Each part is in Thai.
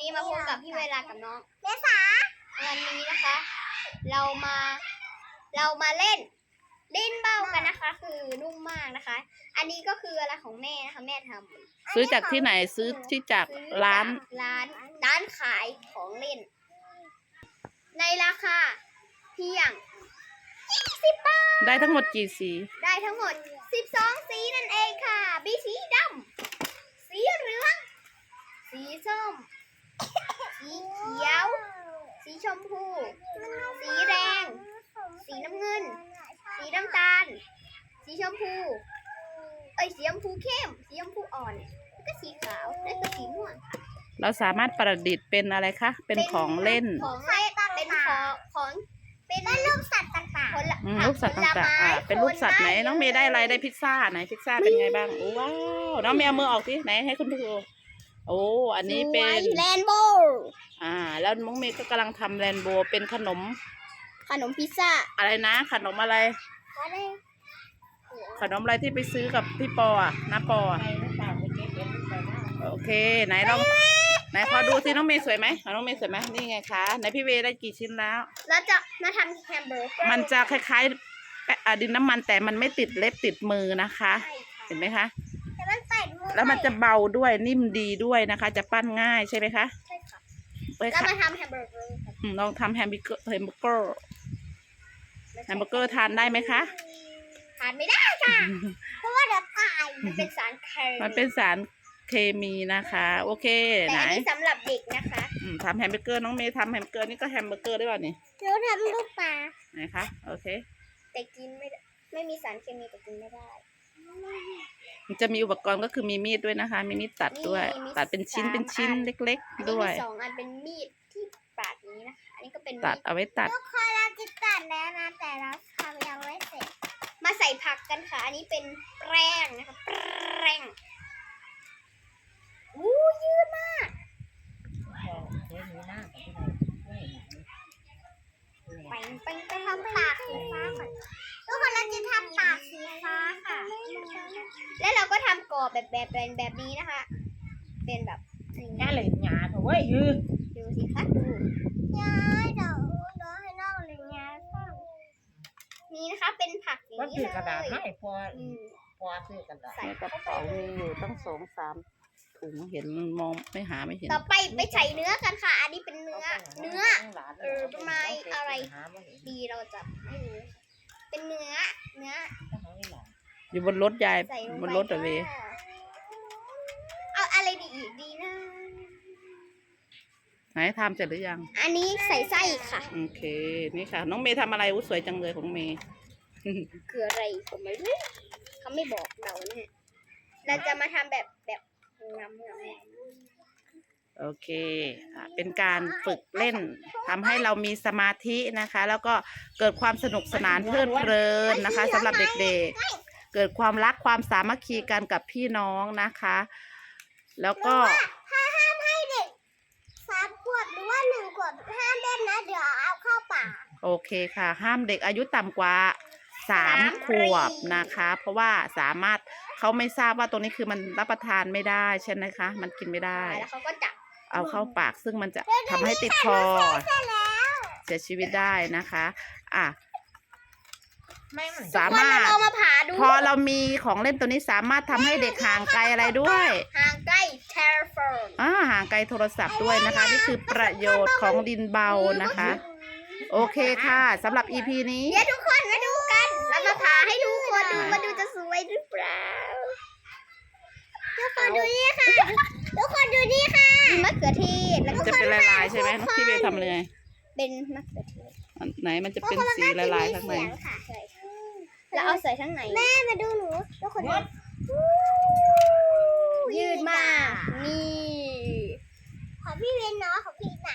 มาพบกับพี่เวลากับน้องเมษาวันนี้นะคะ เรามาเล่นลิ้นเบ้ากันนะคะ คือนุ่มมากนะคะ อันนี้ก็คืออะไรของแม่นะคะแม่ทำซื้อจากที่ไหนซื้อที่จากร้านขายของเล่น ในราคาเพียง20 บาทได้ทั้งหมดกี่สีได้ทั้งหมด12สีนั่นเองค่ะมีสีดำสีเหลืองสีส้มสีเขียวสีชมพูสีแดงสีน้ำเงินสีน้ำตาลสีชมพูสีชมพูเข้มสีชมพูอ่อนแล้วก็สีขาวและก็สีม่วงค่ะเราสามารถประดิษฐ์เป็นอะไรคะเป็นของเล่นเป็นลูกสัตว์ต่างๆลูกสัตว์ต่างๆเป็นลูกสัตว์ไหนน้องเมย์ได้อะไรได้พิซซ่าไหนพิซซ่าเป็นไงบ้างโอ้ว้าวน้องเมย์เอามือออกสิไหนให้คุณดูโอ้อันนี้เป็นแรนโบว์แล้วน้องเมย์ก็กำลังทำแรนโบว์เป็นขนมพิซซ่าอะไรนะขนมอะไรขนมอะไรที่ไปซื้อกับพี่ปอน้าปอโอเคไหนลองไหนขอดูสิน้องเมย์สวยไหมน้องเมย์สวยไหมนี่ไงคะไหนพี่เวได้กี่ชิ้นแล้วเราจะมาทำแฮมเบอร์เกอร์มันจะคล้ายๆดินน้ำมันแต่มันไม่ติดเล็บติดมือนะคะเห็นไหมคะแล้วมันจะเบาด้วยนิ่มดีด้วยนะคะจะปั้นง่ายใช่ไหมคะใช่ค่ะแล้วมาทำแฮมเบอร์เกอร์ลองทำแฮมเบอร์เกอร์ทานได้ไหมคะทานไม่ได้ค่ะเพราะว่าเดี๋ยวตายมันเป็นสารเคมีนะคะโอเคแต่อันนี้สำหรับเด็กนะคะทำแฮมเบอร์เกอร์น้องเมย์ทำแฮมเบอร์เกอร์นี่ก็แฮมเบอร์เกอร์ได้ป่ะนี่เราทำลูกปลาไหนคะโอเคแต่กินไม่มีสารเคมีแต่กินไม่ได้มันจะมีอุปกรณ์ก็คือมีมีดด้วยนะคะมีมีดตัดด้วยตัดเป็นชิ้นเล็กๆด้วย 2 อันเป็นมีดที่ปาดนี้นะคะอันนี้ก็เป็นตัดเอาไว้ตัดทุกคนเราจะตัดแล้วนะแต่เราทำยังไม่เสร็จมาใส่ผักกันค่ะอันนี้เป็นแป้งนะคะแป้งยืดมากไปทำปากสีฟ้าก่อนทุกคนเราจะทำปากสีฟ้าค่ะแล้วเราก็ทำกรอบแบบนี้นะคะ เป็นแบบน่าเลยหยาเถอะเว้ยดูสิคะดูย้ายเดี๋ยวให้น้องเลยย้ายนี่นะคะเป็นผักอย่างนี้เลยกระดาษให้พอซื้อกระดาษใส่กระเป๋ามีอยู่ตั้ง2-3 ถุงเห็นมองไม่เห็นต่อไปใส่เนื้อกันค่ะอันนี้เป็นเนื้อประมาณอะไรดีเราจะไม่รู้เป็นเนื้ออยู่บนรถยายบนรถอะเวเอาอะไรดีนะไหนทำเสร็จหรือยังอันนี้ใส่ไส้ค่ะโอเคนี่ค่ะน้องเมย์ทำอะไรสวยจังเลยของเมย์คืออะไรก็ไม่รู้เขาไม่บอกเราเนี่ยเราจะมาทำแบบงำโอเคเป็นการฝึกเล่นทำให้เรามีสมาธินะคะแล้วก็เกิดความสนุกสนานเพลิดเพลินนะคะสำหรับเด็กๆเกิดความรักความสามัคคีกันกับพี่น้องนะคะแล้วก็ห้ามให้เด็ก3 ขวบหรือว่า1 ขวบห้ามเล่นนะเดี๋ยวเอาเข้าปากโอเคค่ะห้ามเด็กอายุต่ำกว่า3 ขวบนะคะเพราะว่าสามารถเขาไม่ทราบว่าตรงนี้คือมันรับประทานไม่ได้ใช่ไหมคะมันกินไม่ได้แล้วเขาก็จับเอาเข้าปากซึ่งมันจะทำให้ติดคอเสียชีวิตได้นะคะสามารถพอเรามีของเล่นตัวนี้สามารถทำให้เด็กห่างไกลอะไรด้วยห่างไกลเทเลโฟนห่างไกลโทรศัพท์ด้วยนะคะนี่คือประโยชน์ของดินเบานะคะโอเคค่ะสำหรับ EP นี้เดี๋ยวทุกคนมาดูกันเรามาผ่าให้ทุกคนดูมาดูจะสวยหรือเปล่าทุกคนดูนี่ค่ะทุกคนดูนี่ค่ะมะเขือเทศแล้วจะเป็นลายๆใช่ไหมน้องพี่เบย์ทำเลยเป็นมะเขือเทศไหนมันจะเป็นสีลายๆข้างในแล้วเอาใส่ข้างในแม่มาดูหนูทุกคนยืดมากนี่ของพี่เวนเนาะของพี่หนา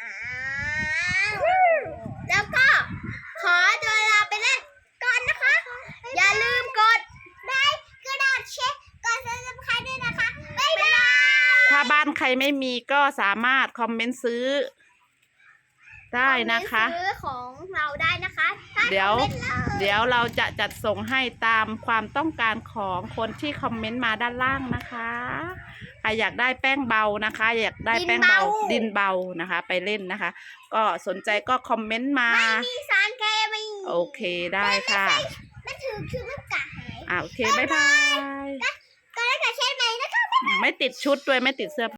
แล้วก็ขอตัวลาไปเล่นก่อนนะคะอย่าลืมกดไลค์กดแชร์กด Subscribe ด้วยนะคะบ๊ายบายถ้าบ้านใครไม่มีก็สามารถคอมเมนต์ซื้อได้นะคะซื้อของเราได้นะคะเดี๋ยวเราจะจัดส่งให้ตามความต้องการของคนที่คอมเมนต์มาด้านล่างนะคะรอยากได้แป้งเบานะคะ อยากได้แป้งเบาดินเบานะคะ ไปเล่นนะคะ ก็สนใจก็คอมเมนต์มามีสารเคมีโอเคได้ค่ะมันถือคือมันกะหายโอเคบ๊ายบายก็ได้กับเช่นไหนนะคะไม่ติดชุดด้วยไม่ติดเสื้อ